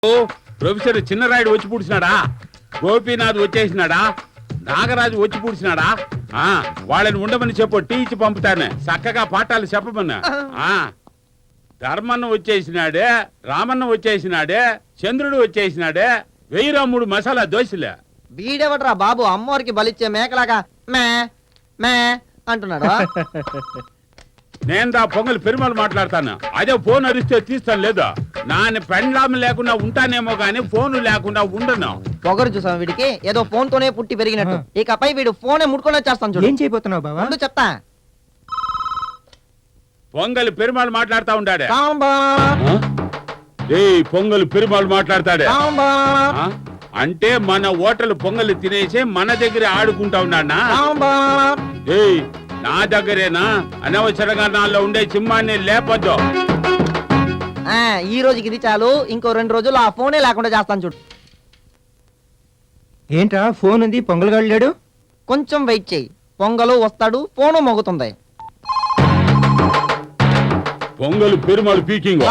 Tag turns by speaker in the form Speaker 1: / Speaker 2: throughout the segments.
Speaker 1: Professor Chinnarayudu వచ్చి పూడ్చినాడా, గోపీనాథ్ వచ్చేసినాడా, నాగరాజు వచ్చి పూడ్చినాడా? వాళ్ళని ఉండమని చెప్పు, టీ ఇచ్చి పంపుతానే, చక్కగా పాఠాలు చెప్పమన్నా. ధర్మన్న వచ్చేసినాడే, రామన్న వచ్చేసినాడే, చంద్రుడు వచ్చేసినాడే, 1003 మసాలా దోశలే.
Speaker 2: వీడెవడ్రా బాబు అమ్మవారికి బలిచ్చే మేకలాగా మే మే అంటున్నాడు.
Speaker 1: నేను పొంగల్ పెరుమాళ్ళు మాట్లాడతాను. అదే ఫోన్ అరిస్తే తీస్తాను లేదా? నాన్న పెండ్లాం లేకుండా ఉంటానేమో గానీ ఫోన్ లేకుండా ఉండను.
Speaker 2: పొగరు చూసాం వీడికి, ఏదో ఫోన్ తోనే పుట్టి పెరిగినట్టు. ఇకపై వీడు ఫోనే ముట్టుకొని వచ్చేస్తాను చూడు.
Speaker 3: ఏం చేయబోతున్నావు బాబా?
Speaker 2: చెప్తా.
Speaker 1: పొంగల్ పెరుమాళ్ళు మాట్లాడుతా ఉంటాడే.
Speaker 2: సాంబా
Speaker 1: పొంగల్ పెరుమాళ్ళు మాట్లాడతాడే
Speaker 2: సాంబా
Speaker 1: అంటే మన హోటల్ పొంగల్ తినేసి మన దగ్గర ఆడుకుంటా ఉన్నాడా?
Speaker 2: సాంబా
Speaker 1: నా దగ్గరేనా? అనవసరంగా నాలో ఉండే సింహాన్ని లేపొద్దు.
Speaker 2: ఈ రోజుకి ఇది చాలు, ఇంకో 2 రోజులు ఆ ఫోనే లేకుండా చేస్తాను చూడు.
Speaker 3: ఏంట్రా ఫోన్ ఉంది, పొంగల్ గాడు లేడు?
Speaker 2: కొంచెం వెయిట్ చెయ్యి, పొంగలు వస్తాడు, ఫోను మోగుతుంది.
Speaker 1: పొంగల్ పెరుమాళ్ళు పీకింగ్.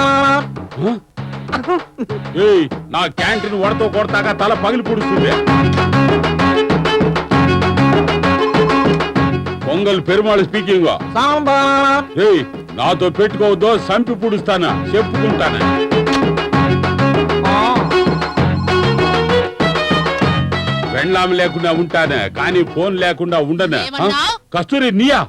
Speaker 1: నా క్యాంటీన్ వడతో కొడతాగా తల పగిలి పుడుస్తుంది. పొంగల్ పెరుమాళ్ళు స్పీకింగ్. నాతో పెట్టుకోవద్దో, సంపి పుడుస్తానా, చెప్పుకుంటానా. వెండ్లాం లేకుండా ఉంటానే, కానీ ఫోన్ లేకుండా ఉండనా? కస్తూరి నీయా?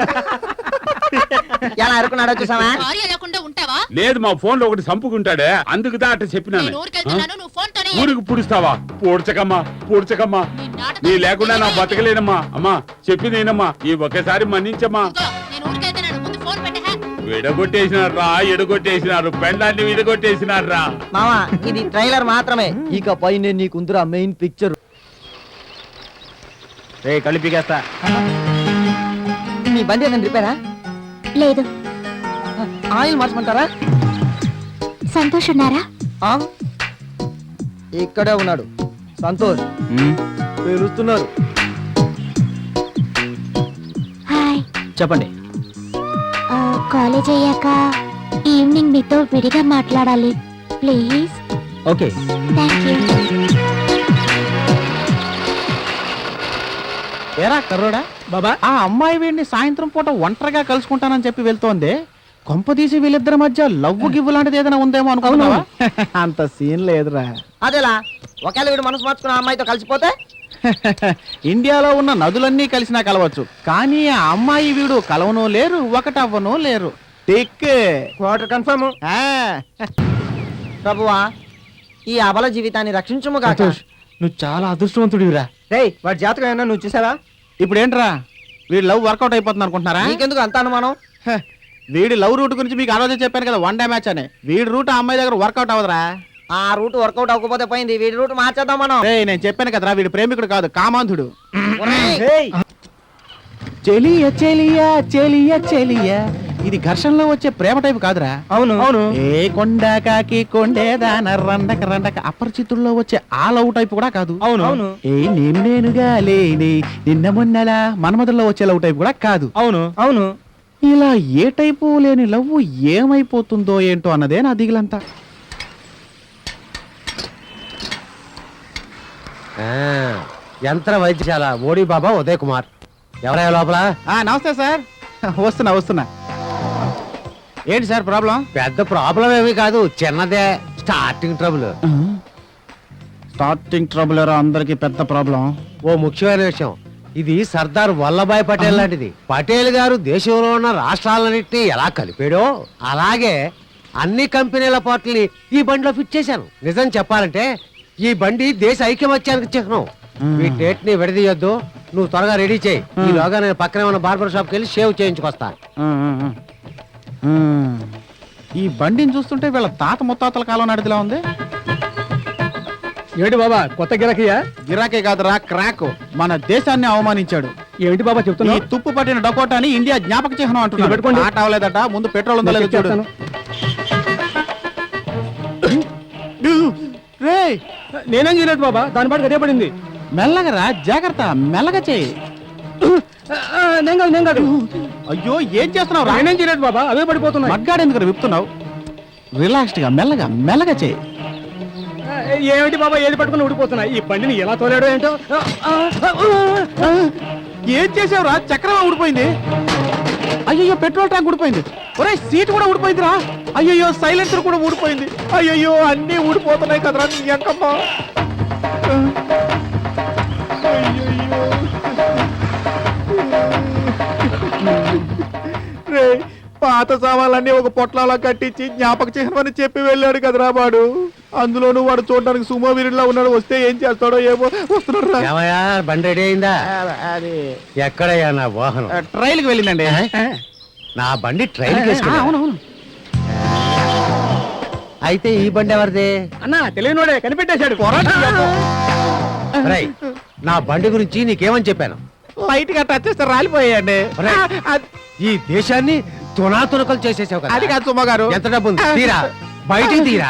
Speaker 2: ఎలా అనుకున్నాడో చూసావా?
Speaker 1: లేదు, మా ఫోన్ లో ఒకటి సంపుకుంటాడే, అందుకుదా అట్ట చెప్పినాను. ఊరికి పుడుస్తావా? పూడ్చకమ్మా పూడ్చకమ్మా, నీ లేకుండా నా బతకలేనమ్మా. అమ్మా చెప్పిందేనమ్మా, ఈ ఒక్కసారి మన్నించమ్మా. విడగొట్టేసినారా, ఎడగొట్టేసినారు, పెండాన్ని విడగొట్టేసినారా.
Speaker 2: మావా ఇది ట్రైలర్ మాత్రమే, ఇక పైన నీకుందిరా మెయిన్ పిక్చర్.
Speaker 3: కలిపికేస్తా.
Speaker 2: మీ బండి ఏదైనా రిపేరా?
Speaker 4: లేదు.
Speaker 2: ఆయిల్ మార్చమంటారా?
Speaker 4: సంతోష్ ఉన్నారా?
Speaker 2: ఇక్కడే ఉన్నాడు. సంతోష్ పిలుస్తున్నారు.
Speaker 4: హాయ్.
Speaker 3: చెప్పండి.
Speaker 4: కాలేజ్ అయ్యాక ఈవినింగ్ మీతో విడిగా మాట్లాడాలి ప్లీజ్.
Speaker 3: ఓకే.
Speaker 4: Thank you.
Speaker 5: ఏరా కర్రోడా బాబా, ఆ అమ్మాయి వీడిని సాయంత్రం పూట ఒంటరిగా కలుసుకుంటానని చెప్పి వెళ్తోంది. కొంపదీసి వీళ్ళిద్దరి మధ్య లవ్వు గివ్వు లాంటిది ఏదైనా ఉందేమో అనుకున్నావా? అంత సీన్ లేదురా.
Speaker 2: అదేలా ఒకవేళ వీడు మనసు మార్చుకున్న అమ్మాయితో కలిసిపోతే?
Speaker 5: ఇండియాలో ఉన్న నదులన్నీ కలిసినా కలవచ్చు, కానీ ఆ అమ్మాయి వీడు కలవనో లేరు, ఒకటవ్వనో లేరు. Tick
Speaker 2: quarter confirm. ప్రభువా ఈ అబల జీవితాన్ని రక్షించుము కాక.
Speaker 5: నువ్వు చాలా అదృష్టవంతుడివిరా.
Speaker 3: రేయ్ వాడి జాతకం ఏమన్నా నువ్వు చూసావా?
Speaker 5: ఇప్పుడు ఏంట్రా, వీడి లవ్ వర్కౌట్ అయిపోతుంది అనుకుంటున్నారా?
Speaker 2: నీకెందుకు అంత అనుమానం?
Speaker 5: వీడి లవ్ రూట్ గురించి మీకు ఆ రోజే చెప్పాను కదా, 1 డే మ్యాచ్ అని. వీడి రూట్ ఆ అమ్మాయి దగ్గర వర్కౌట్ అవ్వదురా.
Speaker 2: ఆ రూట్ వర్కౌట్ అవ్వకపోతే పోయింది, వీడి రూట్ మార్చేద్దాం మనం.
Speaker 5: నేను చెప్పాను కదరా, వీడి ప్రేమికుడు కాదు, కామాంధుడు.
Speaker 2: ఒరేయ్,
Speaker 5: చెలియ చెలియ చెలియ చెలియ, ఇది ఘర్షణలో వచ్చే ప్రేమ టైపు కాదురా.
Speaker 3: అవును అవును.
Speaker 5: ఏ కొండ కాకి కొండేదాన రండక రండక అపరిచితుల్లో వచ్చే ఆ లవ్ టైపు కూడా కాదు.
Speaker 3: అవును అవును.
Speaker 5: ఏ నేనుగా లేని నిన్న మొన్నలా మన్మధుల్లో వచ్చే లవ్ టైపు కూడా కాదు.
Speaker 3: అవును అవును.
Speaker 5: ఇలా ఏ టైపు లేని లవ్ ఏమైపోతుందో ఏంటో అన్నదే నా దిగులంతా.
Speaker 3: యంత్ర వైద్యశాల మోడీ బాబా ఉదయ్ కుమార్. ఎవరయ్యా లోపల?
Speaker 5: నమస్తే సార్. వస్తున్నా. ఏంటి సార్ ప్రాబ్లం?
Speaker 3: పెద్ద ప్రాబ్లం ఏమీ కాదు, చిన్నదే స్టార్టింగ్ ట్రబుల్.
Speaker 5: స్టార్టింగ్ ట్రబుల్ అందరికి పెద్ద ప్రాబ్లం.
Speaker 3: ఓ ముఖ్యమైన విషయం, ఇది సర్దార్ వల్లభాయ్ పటేల్ లాంటిది. పటేల్ గారు దేశంలో ఉన్న రాష్ట్రాలన్నింటినీ ఎలా కలిపాడో అలాగే అన్ని కంపెనీల పార్టీని ఈ బండిలో ఫిట్ చేశాను. నిజం చెప్పాలంటే ఈ బండి దేశ ఐక్యమత్యానికి చిహ్నం. ఈ డేట్ ని విడదీయొద్దు, నువ్వు త్వరగా రెడీ చేయి. ఈలోగా నేను పక్కనే ఉన్న బార్బర్ షాప్కి వెళ్ళి షేవ్ చేయించుకొస్తా.
Speaker 5: ఈ బండిని చూస్తుంటే వీళ్ళ తాత ముత్తాతల కాలం నడిదిలా ఉంది.
Speaker 6: ఏమిటి బాబా కొత్త గిరాకీయా?
Speaker 5: గిరాకే కాదురా, క్రాక్. మన దేశాన్ని అవమానించాడు.
Speaker 6: ఏమిటి బాబా చెప్తున్నా?
Speaker 5: ఈ తుప్పు పట్టిన డకోటాని ఇండియా జ్ఞాపక చిహ్నం అంటున్నాడు.
Speaker 6: పెట్టుకోండి.
Speaker 5: ఆట అవ్వలేదట, ముందు పెట్రోల్ ఉందో లేదో చూడు. రేయ్,
Speaker 6: నేనేం చేయలేదు బాబా, దాని పాటు అదే పడింది.
Speaker 5: మెల్లగా రా, జాగ్రత్త, మెల్లగా చేయి.
Speaker 6: నేను కాదు.
Speaker 5: అయ్యో ఏం చేస్తున్నావు?
Speaker 6: నేనేం చేయలేదు బాబా, అవే పడిపోతున్నాయి.
Speaker 5: మగ్గాడు ఎందుకు విప్పుతున్నావు? రిలాక్స్డ్ గా మెల్లగా చేయి.
Speaker 6: ఏమిటి బాబా ఏది పట్టుకుని ఊడిపోతున్నా ఈ బండిని ఎలా తోలాడో ఏంటో.
Speaker 5: ఏం చేసావురా? చక్రం ఊడిపోయింది. అయ్యయ్యో, పెట్రోల్ ట్యాంక్ ఊడిపోయింది. ఒరే, సీట్ కూడా ఊడిపోయిందిరా. అయ్యయ్యో, సైలెన్సర్ కూడా ఊడిపోయింది. అయ్యయ్యో, అన్నీ ఊడిపోతున్నాయి కదరా నీ అక్కమ్మ. రే, పాత సామాన్లన్నీ ఒక పొట్లాలా కట్టించి జ్ఞాపక చిహ్నమని చెప్పి వెళ్ళాడు కదరా వాడు. అందులోనూ వాడు చూడడానికి సుమో వీరుడిలా ఉన్నాడు. వస్తే ఏం చేస్తాడో ఏమో. వస్తున్నాడు.
Speaker 3: ఏమయ్యా, బండి రెడీ అయిందా?
Speaker 5: అది
Speaker 3: ఎక్కడయ్యా నా వాహనం?
Speaker 5: ట్రైల్కి వెళ్ళిందండి.
Speaker 3: నా బండి ట్రైన్
Speaker 5: అవునవును.
Speaker 3: అయితే ఈ బండి ఎవరిది?
Speaker 6: అన్నా తెలియనోడే కనిపెట్టేశాడు.
Speaker 3: రేయ్, నా బండి గురించి నీకేమని చెప్పాను?
Speaker 5: లైట్ గా టచ్ చేస్తే రాలిపోయాయండి.
Speaker 3: ఒరేయ్, ఈ దేశాన్ని తునాతునకలు చేసేసావు కదా.
Speaker 5: అది కాదు సుమ గారు.
Speaker 3: ఎంత డబ్బు ఉంది? తీరా, బయటికి తీరా.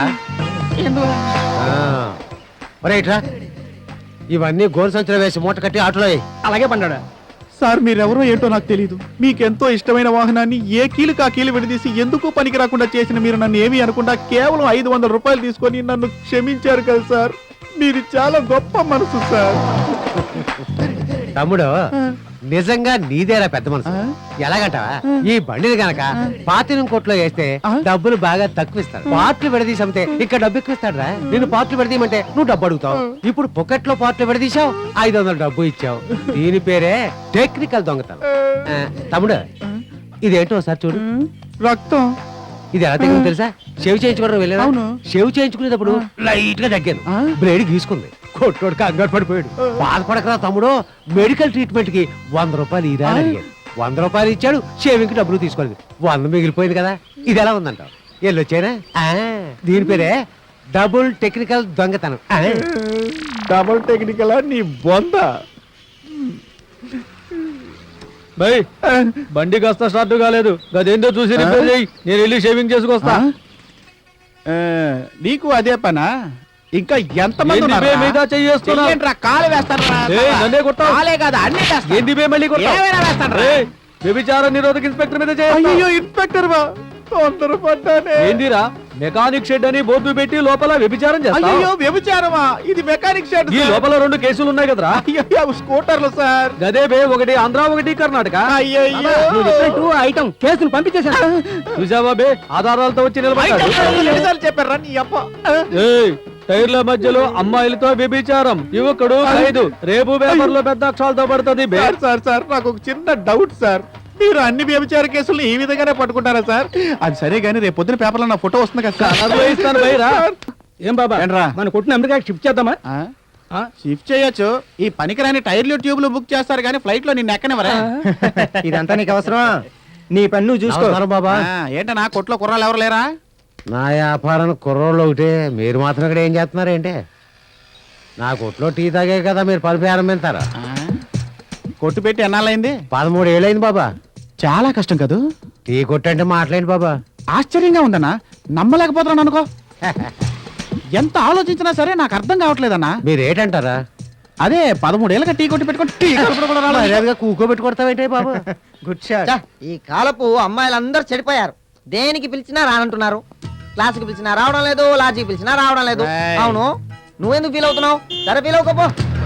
Speaker 3: ఒరేయ్, ఇట్రా. ఇవన్నీ గోరు సంచులు వేసి మూట కట్టి ఆటోలో వేయ్.
Speaker 6: అలాగే పడ్డాడా?
Speaker 5: సార్, మీరెవరో ఏంటో నాకు తెలియదు. మీకెంతో ఇష్టమైన వాహనాన్ని ఏ కీలుకు ఆ కీలు విడదీసి ఎందుకు పనికి రాకుండా చేసిన మీరు నన్ను ఏమీ అనకుండా కేవలం 500 రూపాయలు తీసుకొని నన్ను క్షమించారు కదా సార్. మీరు చాలా గొప్ప మనసు సార్.
Speaker 3: తమ్ముడు, నిజంగా నీదేరా పెద్ద మనసు. ఎలాగంటావా? ఈ బండిని గనక పాతినం కోట్లో వేస్తే డబ్బులు బాగా తక్కువ ఇస్తాడు. పార్ట్లు విడదీసి అమ్మితే ఇక్కడ డబ్బు ఎక్కువ ఇస్తాడు రా. నేను పార్ట్లు విడదీయమంటే నువ్వు డబ్బు అడుగుతావు. ఇప్పుడు పొకెట్లో పార్ట్లు విడదీశావు, 500 డబ్బు ఇచ్చావు. దీని పేరే టెక్నికల్ దొంగతనం. తమ్ముడు, ఇదేంటో ఒకసారి చూడు.
Speaker 5: రక్తం.
Speaker 3: ఇది ఎలా తగ్గింది తెలుసా? షేవ్ చేయించుకోవడం వెళ్ళాను.
Speaker 5: అవును.
Speaker 3: షేవ్ చేయించుకునేటప్పుడు లైట్ గా తగ్గాను. బ్లేడ్ గీసుకుంది. కొట్టోడు కంగారు పడిపోయాడు. బాధపడకరా తమ్ముడు, మెడికల్ ట్రీట్మెంట్ కి 100 రూపాయలు ఇరా అని అడిగాడు. 100 రూపాయలు ఇచ్చాడు. షేవింగ్ కి డబ్బులు తీసుకోలేదు. 100 మిగిలిపోయింది కదా. ఇది ఎలా ఉందంటావు? వెళ్ళొచ్చానా? దీని పేరే డబుల్ టెక్నికల్ దొంగతనం.
Speaker 5: డబుల్ టెక్నికల్ నీ బొంద.
Speaker 6: బై బండి కాస్త స్టార్ట్ కాలేదు. అదేందో చూసి రిపేర్ చేయి. నేను వెళ్ళి షేవింగ్ చేసుకొస్తా.
Speaker 5: నీకు అదే పనా? ఇంకా ఎంతమంది
Speaker 6: ఏంది బే మీద చెయ్యేస్తున్నా?
Speaker 5: కాలు వేస్తాను.
Speaker 6: నన్నే కొట్టావు.
Speaker 5: కాలే కాదు, అన్ని వేస్తాను.
Speaker 6: ఏంది బే మళ్ళీ కొట్టావు?
Speaker 5: ఏమైనా వేస్తాను.
Speaker 6: ఏయ్, వ్యభిచార నిరోధక ఇన్స్పెక్టర్ మీద చేయి.
Speaker 5: అయ్యో, ఇన్స్పెక్టర్ బా, తొందరపడ్డానే.
Speaker 6: ఏందిరా, మెకానిక్ షెడ్ అని బోర్డు పెట్టి లోపల వ్యభిచారం చేస్తావు?
Speaker 5: అయ్యో, వ్యభిచారమా? ఇది మెకానిక్ షెడ్
Speaker 6: ఈ లోపల 2 కేసులు ఉన్నాయి కదరా.
Speaker 5: అయ్యో, స్కూటర్లు సార్.
Speaker 6: గదే బే, ఒకటి ఆంధ్ర ఒకటి కర్ణాటక.
Speaker 5: అయ్యో,
Speaker 6: ఐటమ్ కేసులు పంపించేశాను. చూసావా బే, ఆధారాలతో వచ్చి నిలబడ్డాడు.
Speaker 5: చెప్పారా నీ అప్ప?
Speaker 6: ఏయ్, టైర్ల మధ్యలో అమ్మాయిలతో వ్యభిచారం, యువకుడు ఖైదు. రేపు పేపర్ లో పెద్ద అక్షరాలతో పడుతుంది బే.
Speaker 5: సార్, నాకు ఒక చిన్న డౌట్ సార్. మీరు అన్ని వ్యభిచార కేసులు ఈ విధంగానే పట్టుకుంటారా సార్? అది సరే గానీ రేపు పొద్దున పేపర్లో నా ఫోటో వస్తుంది కదా సార్.
Speaker 6: కలర్లో ఇస్తాను బైరా. ఏం బాబా,
Speaker 5: ఏంట్రా?
Speaker 6: మన కొట్టిన అమెరికాకి షిఫ్ట్ చేద్దామా?
Speaker 5: షిఫ్ట్ చేయొచ్చు. ఈ పనికిరాని టైర్లు ట్యూబ్లు బుక్ చేస్తారు కానీ ఫ్లైట్ లో నిన్ను ఎక్కనివరా?
Speaker 2: ఇదంతా నీకు అవసరమా? నీ పని నువ్వు చూసుకో.
Speaker 3: నమస్కారం బాబా.
Speaker 5: ఏంటన్నా కొట్లో కుర్రాలు ఎవరు లేరా?
Speaker 3: నా వ్యాపారానికి కుర్రోళ్ళు ఒకటే. మీరు మాత్రం ఇక్కడ ఏం చేస్తున్నారు ఏంటి? నా కొట్లో టీ తాగే కదా మీరు పని ప్రారంభించారా?
Speaker 5: కొట్టు పెట్టి ఎన్నాళ్ళైంది?
Speaker 3: 13 ఏళ్ళైంది బాబా.
Speaker 5: చాలా కష్టం కదూ.
Speaker 3: టీ కొట్టంటే మాట్లాడండి బాబా.
Speaker 5: ఆశ్చర్యంగా ఉందన్నా, నమ్మలేకపోతున్నాను అనుకో. ఎంత ఆలోచించినా సరే నాకు అర్థం కావట్లేదన్నా.
Speaker 3: మీరు ఏంటంటారా?
Speaker 5: అదే 13 ఏళ్ళగా టీ కొట్టి పెట్టుకుని టీ కలుపులు కూడా రాలేదు.
Speaker 3: మర్యాదగా కూకోబెట్టి కొడతావేంటే బాబా?
Speaker 5: Good shot.
Speaker 2: ఈ కాలపు అమ్మాయిలందరూ చెడిపోయారు. దేనికి పిలిచినా రానంటున్నారు. క్లాసుకి పిలిచినా రావడం లేదు, లాడ్జికి పిలిచినా రావడం లేదు. అవును, నువ్వెందుకు ఫీల్ అవుతున్నావు? సరే, ఫీల్ అవుకోపో.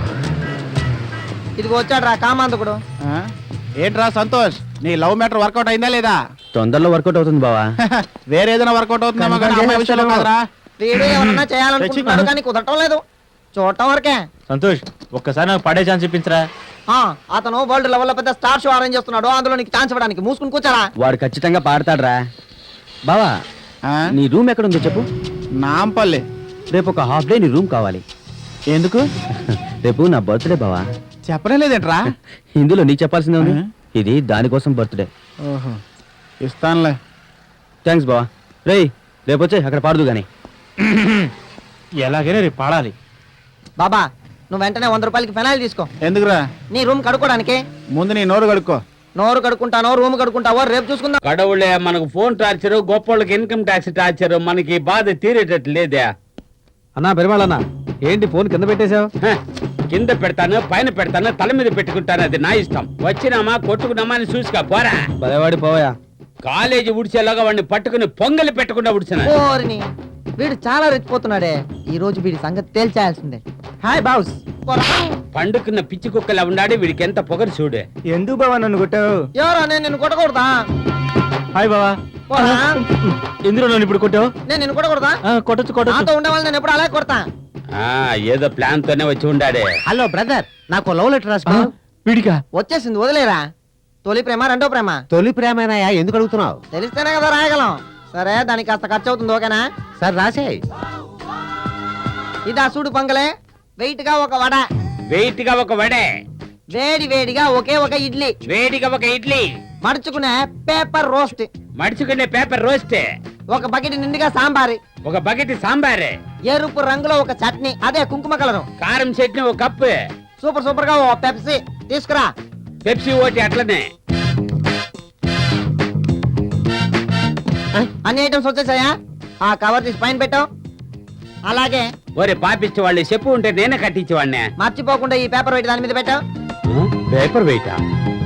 Speaker 2: ఇదిగో వచ్చాడు రా కామాంతకుడు.
Speaker 5: ఏంట్రా సంతోష్, నీ లవ్ మ్యాటర్ వర్కౌట్ అయిందా లేదా?
Speaker 6: తొందరలో వర్కౌట్ అవుతుంది బావా.
Speaker 5: వేరే ఏదైనా వర్కౌట్ అవుతుందేమో కానీ అమ్మాయి విషయంలో కాదురా.
Speaker 2: వీడు ఏమన్నా చేయాలనుకుంటున్నాడు కానీ కుదరటం లేదు. చూడటం వరకే.
Speaker 6: సంతోష్, ఒక్కసారి నాకు పడే ఛాన్స్ ఇప్పించరా.
Speaker 2: అతను వరల్డ్ లెవెల్ లో పెద్ద స్టార్ షో అరేంజ్ చేస్తున్నాడు. అందులో నీకు ఛాన్స్ ఇవ్వడానికి మూసుకుని కూర్చారా.
Speaker 6: వాడు ఖచ్చితంగా పాడతాడ్రా. బావా, నీ రూమ్ ఎక్కడ ఉందో చెప్పు.
Speaker 5: నాంపల్లి.
Speaker 6: రేపు ఒక హాఫ్ డే నీ రూమ్ కావాలి.
Speaker 5: ఎందుకు?
Speaker 6: రేపు నా బర్త్డే బావా.
Speaker 5: చెప్పడం లేదేంట్రా?
Speaker 6: ఇందులో నీకు చెప్పాల్సిందే ఉంది. ఇది దానికోసం బర్త్డే.
Speaker 5: ఓహో, ఇస్తానులే.
Speaker 6: థ్యాంక్స్ బావా. రేయ్, రేపు వచ్చే అక్కడ పాడదు గాని.
Speaker 5: ఎలాగైనా రేపు పాడాలి.
Speaker 2: బాబా, నువ్వు వెంటనే 100 రూపాయలకి ఫెనాయిల్ తీసుకో.
Speaker 5: ఎందుకురా?
Speaker 2: నీ రూమ్ కడుక్కోడానికి.
Speaker 5: ముందు నీ నోరు కడుక్కో.
Speaker 2: నోరు కడుక్కుంటానో రూమ్ కడుక్కుంటావో రేపు చూసుకుందాం.
Speaker 1: కడవులే, మనకు ఫోన్ టార్చరు, గొప్పోళ్ళకి ఇన్కమ్ ట్యాక్స్ టార్చరు. మనకి బాధ తీరేటట్టు లేదే.
Speaker 6: అన్నా పెరుమాళన్నా, ఏంటి ఫోన్ కింద పెట్టేశావు?
Speaker 1: కింద పెడతాను, పైన పెడతాను, తల మీద పెట్టుకుంటాను. అది నా ఇష్టం. వచ్చినామా కొట్టుకున్నామా అని చూసుకో పోరా.
Speaker 6: పదేవాడి పోయా.
Speaker 1: కాలేజీ ఉడిచేలాగా వాడిని పట్టుకుని పొంగలి పెట్టకుండా ఉడిచిన.
Speaker 2: ఓరిని వీడు చాలా రెచ్చిపోతున్నాడే. ఈ రోజు వీడి సంగతి తేల్చేయాల్సిందే. Hi boss.
Speaker 7: పండుకున్న పిచ్చి కుక్కలా ఉన్నాడు వీడికి ఎంత పొగరు చూడు.
Speaker 6: ఎందుకు బావా నన్ను కొట్టావు?
Speaker 2: ఎవరో నేను నిన్ను కొట్టకూడదా?
Speaker 6: హాయ్ బావా.
Speaker 2: పోరా.
Speaker 6: ఎందులో నన్ను ఇప్పుడు కొట్టావు?
Speaker 2: నేను నిన్ను కొట్టకూడదా?
Speaker 6: కొట్టచ్చు
Speaker 2: నాతో ఉండేవాళ్ళు నేను ఎప్పుడు అలాగే కొడతా.
Speaker 7: ఆ ఏదో ప్లాన్ తోనే వచ్చి ఉండాడే.
Speaker 3: హలో బ్రదర్, నాకు లవ్ లెటర్ రాసుకో.
Speaker 6: వీడికా?
Speaker 2: వచ్చేసింది, వదిలేరా. తొలి ప్రేమ రెండో ప్రేమ
Speaker 3: తొలి ప్రేమేనాయా, ఎందుకు అడుగుతున్నావు?
Speaker 2: తెలిస్తేనే కదా రాయగలం. సరే, దానికి కాస్త ఖర్చు అవుతుంది, ఓకేనా?
Speaker 3: సరే రాసే.
Speaker 2: ఇదా సూడు పొంగలే, వెయిట్ గా ఒక వడ,
Speaker 7: వెయిట్ గా ఒక వడే,
Speaker 2: వేడి వేడిగా ఒకే ఒక ఇడ్లీ,
Speaker 7: వేడిగా ఒక ఇడ్లీ,
Speaker 2: మడుచుకునే పేపర్ రోస్ట్,
Speaker 7: మడుచుకునే పేపర్ రోస్ట్,
Speaker 2: ఒక బకెట్ నిండుగా సాంబారి,
Speaker 7: ఒక బకెట్ సాంబార్,
Speaker 2: ఎరుపు రంగులో ఒక చట్నీ, అదే కుంకుమ కలరు,
Speaker 7: కారం చట్నీ ఒక కప్పు,
Speaker 2: సూపర్ సూపర్ గా ఓ పెప్సీ తీసుకురా.
Speaker 7: పెప్సీ ఓటి అట్లనే.
Speaker 2: అన్ని ఐటమ్స్ వచ్చేసాయా? ఆ కవర్ తీసి పైన పెట్టావు. అలాగే
Speaker 7: ఒరే పాపిచ్చి వాళ్ళు చెప్పు ఉంటే నేనే కట్టించేవాడినే.
Speaker 2: మర్చిపోకుండా ఈ పేపర్ వెయిట్ దాని మీద పెట్టావు.
Speaker 7: పేపర్ వెయిటా?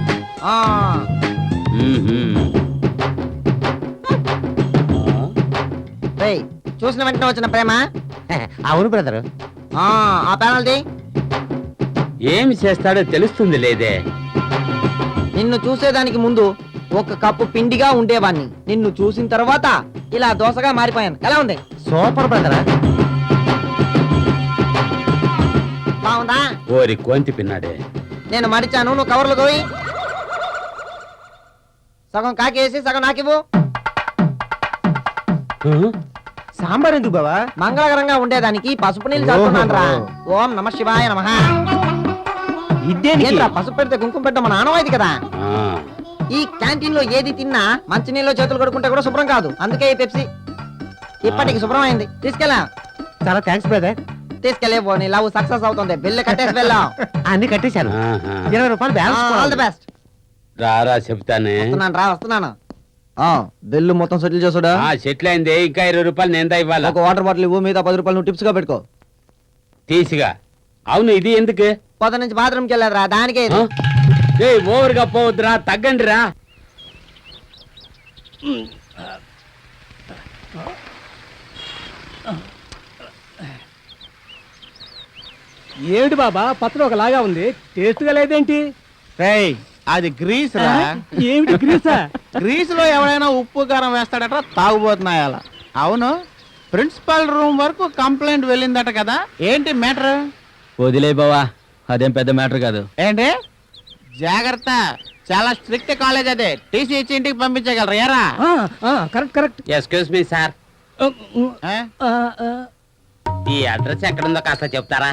Speaker 2: చూసిన వెంటనే వచ్చిన ప్రేమ.
Speaker 3: అవును బ్రదర్.
Speaker 2: ఆ ప్యానల్ది
Speaker 7: ఏమి చేస్తాడో తెలుస్తుంది లేదే.
Speaker 2: నిన్ను చూసేదానికి ముందు ఒక కప్పు పిండిగా ఉండేవాణ్ణి. నిన్ను చూసిన తర్వాత ఇలా దోసగా మారిపోయాను. ఎలా ఉంది?
Speaker 3: Super brother.
Speaker 2: బాగుందా?
Speaker 7: ఓరి కోంతి పిన్నాడే.
Speaker 2: నేను మడిచాను, నువ్వు కవర్లు తోయి. సగం కాకేసి సగం నాకివ్వు.
Speaker 6: సాంబార్ ఎందుకు బావా?
Speaker 2: మంగళకరంగా ఉండేదానికి పసుపు నీళ్ళు చల్లుతున్నాను రా. ఓం నమ శివాయ నమః. ఏంట్రా పసుపు పెడితే కుంకుమ పెట్టడం మన ఆనవాయితీ కదా. ఈ క్యాంటీన్ లో ఏది తిన్నా మంచినీళ్ళు చేతులు కడుక్కుంటే కూడా శుభ్రం కాదు. అందుకే ఈ పెప్సీ ఇప్పటికి శుభ్రం అయింది. తీసుకెళ్ళా.
Speaker 3: చాలా థ్యాంక్స్ బ్రదర్.
Speaker 2: తీసుకెళ్ళే పో, నీ లవ్ సక్సెస్ అవుతుంది. బిల్లు కట్టేసి వెళ్ళాం.
Speaker 3: అన్ని కట్టేశాను. 20 రూపాయలు బ్యాలెన్స్.
Speaker 2: All the best.
Speaker 7: రారా చెప్తానే.
Speaker 2: వస్తున్నాను. బిల్లు మొత్తం సెటిల్ చేసుడా.
Speaker 7: సెటిల్ అయింది. ఇంకా 20 రూపాయలు నేను ఇవ్వాలా.
Speaker 2: ఒక వాటర్ బాటిల్ ఇవ్వు, మిగతా 10 రూపాయలు నువ్వు టిప్స్ గా పెట్టుకో.
Speaker 7: తీసిగా. అవును, ఇది ఎందుకు?
Speaker 2: పొద్దు నుంచి బాత్రూమ్కి వెళ్ళారా, దానికే ఇది.
Speaker 7: ఓవర్ గా పోవద్దురా, తగ్గండి రా.
Speaker 6: ఏమిటి బాబా, పత్రం ఒకలాగా ఉంది, టేస్ట్ గా లేదేంటి?
Speaker 5: అది గ్రీస్ రా.
Speaker 6: ఏమిటి గ్రీసా?
Speaker 5: గ్రీస్ లో ఎవరైనా ఉప్పు కారం వేస్తాడట, తాగుబోతున్నాయి అలా. అవును, ప్రిన్సిపల్ రూమ్ వరకు కంప్లైంట్ వెళ్ళిందట కదా, ఏంటి మ్యాటర్?
Speaker 6: వదిలే బావా, అదేం పెద్ద మ్యాటర్ కాదు.
Speaker 5: ఏంటి? జాగ్రత్త, చాలా స్ట్రిక్ట్ కాలేజ్ అదే. టీసీ ఇచ్చి ఇంటికి పంపించగలరు. ఏరా?
Speaker 6: Correct correct.
Speaker 7: Excuse me sir, ఈ అడ్రస్ ఎక్కడుందో కాస్త చెప్తారా?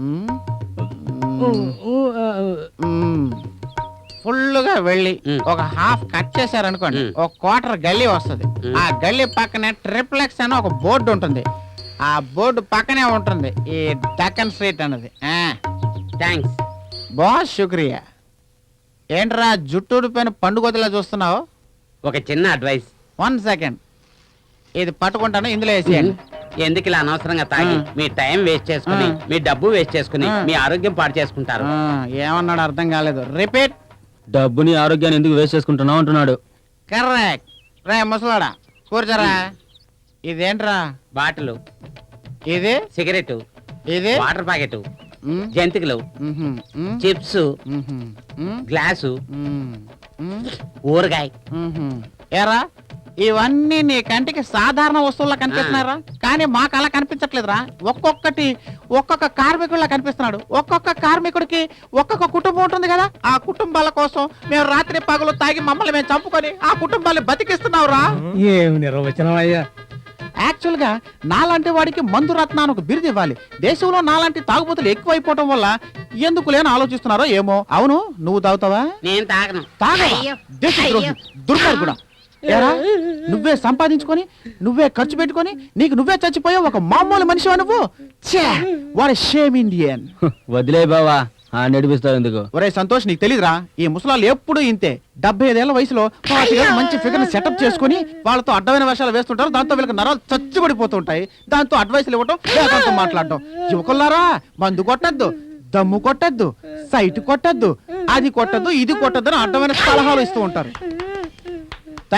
Speaker 5: ఫుల్గా వెళ్ళి ఒక హాఫ్ కట్ చేశారనుకోండి, ఒక క్వార్టర్ గల్లీ వస్తుంది. ఆ గల్లీ పక్కనే ట్రిప్లెక్స్ అని ఒక బోర్డు ఉంటుంది. ఆ బోర్డు పక్కనే ఉంటుంది ఈ డక్కన్ స్ట్రీట్ అన్నది.
Speaker 7: థ్యాంక్స్
Speaker 5: బాస్, శుక్రియా. ఏంట్రా జుట్టు పైన పండుగలా చూస్తున్నావు?
Speaker 7: ఒక చిన్న అడ్వైస్.
Speaker 5: 1 సెకండ్, ఇది పట్టుకుంటాను, ఇందులో వేసేయండి.
Speaker 7: ఎందుకు ఇలా అనవసరంగా తాగి మీ టైం వేస్ట్ చేసుకుని, మీ డబ్బు వేస్ట్ చేసుకుని, మీ ఆరోగ్యం పాడు చేసుకుంటారు.
Speaker 5: ఏమన్నాడు అర్థం కాలేదు. రిపీట్.
Speaker 6: డబ్బుని ఆరోగ్యాన్ని ఎందుకు వేస్ట్ చేసుకుంటున్నావు అంటున్నాడు.
Speaker 5: కరెక్ట్. రే ముసలాడా, కూర్చోరా. ఇదేంట్రా?
Speaker 7: బాటిల్,
Speaker 5: ఇది
Speaker 7: సిగరెట్,
Speaker 5: ఇది
Speaker 7: వాటర్ ప్యాకెట్, జంతికలు, చిప్స్, గ్లాసు, ఊరగాయ.
Speaker 5: ఏరా, ఇవన్నీ నీ కంటికి సాధారణ వస్తువులా కనిపిస్తున్నారా? కానీ మాకు అలా కనిపించట్లేదురా. ఒక్కొక్కటి ఒక్కొక్క కార్మికుల్లా కనిపిస్తున్నాడు. ఒక్కొక్క కార్మికుడికి ఒక్కొక్క కుటుంబం ఉంటుంది కదా. ఆ కుటుంబాల కోసం మేము రాత్రి పగలు తాగి మమ్మల్ని మేము చంపుకొని ఆ కుటుంబాన్ని బతికిస్తున్నావురా.
Speaker 6: ఏమి నిర్వచనం అయ్యా.
Speaker 5: యాక్చువల్ గా నాలాంటి వాడికి మందు రత్నాన్ని ఒక బిరుదు ఇవ్వాలి. దేశంలో నాలాంటి తాగుబోతులు ఎక్కువైపోవటం వల్ల ఎందుకు లేని ఆలోచిస్తున్నారో ఏమో. అవును, నువ్వు తాగుతావా?
Speaker 7: నేను తాగను.
Speaker 5: దుర్మార్గుడా. ఏరా, నువ్వే సంపాదించుకొని నువ్వే ఖర్చు పెట్టుకొని నీకు నువ్వే చచ్చిపోయావు ఒక మామూలు మనిషివా నువ్వు? What shame Indian.
Speaker 6: వదిలే బావా, నడిపిస్తావు ఎందుకు?
Speaker 5: ఒరే సంతోష్, నీకు తెలీదురా, ఈ ముసలాళ్ళు ఎప్పుడు ఇంతే. 75 ఏళ్ల వయసులో మంచి ఫిగర్ సెటప్ చేసుకుని వాళ్ళతో అడ్డమైన వేషాలు వేస్తుంటారు. దాంతో వీళ్ళకి నరాలు చచ్చిపడిపోతుంటాయి. దాంతో అడ్వైస్లు ఇవ్వటం, వేదంతో మాట్లాడటం. యువకులారా, మందు కొట్టద్దు, దమ్ము కొట్టద్దు, సైట్ కొట్టద్దు, అది కొట్టద్దు, ఇది కొట్టద్దు అని అడ్డమైన సలహాలు ఇస్తూ ఉంటారు. Thank you.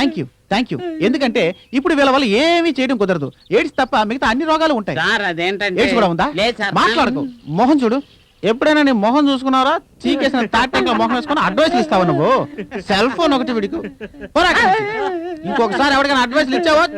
Speaker 5: థ్యాంక్ యూ ఎందుకంటే ఇప్పుడు వీళ్ళ వల్ల ఏమీ చేయడం కుదరదు ఎయిడ్స్ తప్ప మిగతా అన్ని రోగాలు ఉంటాయి
Speaker 7: సార్ అదేంటంటే
Speaker 5: ఎయిడ్స్ కూడా ఉందా
Speaker 7: లేదు సార్
Speaker 5: మాట్లాడకు మొహం చూడు ఎప్పుడైనా నీ మొహం చూసుకున్నారా చీకేసిన తాటంగా మొహం వేసుకుని అడ్వైస్ ఇస్తావు నువ్వు సెల్ ఫోన్ ఒకటి విడికు ఇంకొకసారి ఎవరికైనా అడ్వైస్ ఇచ్చావో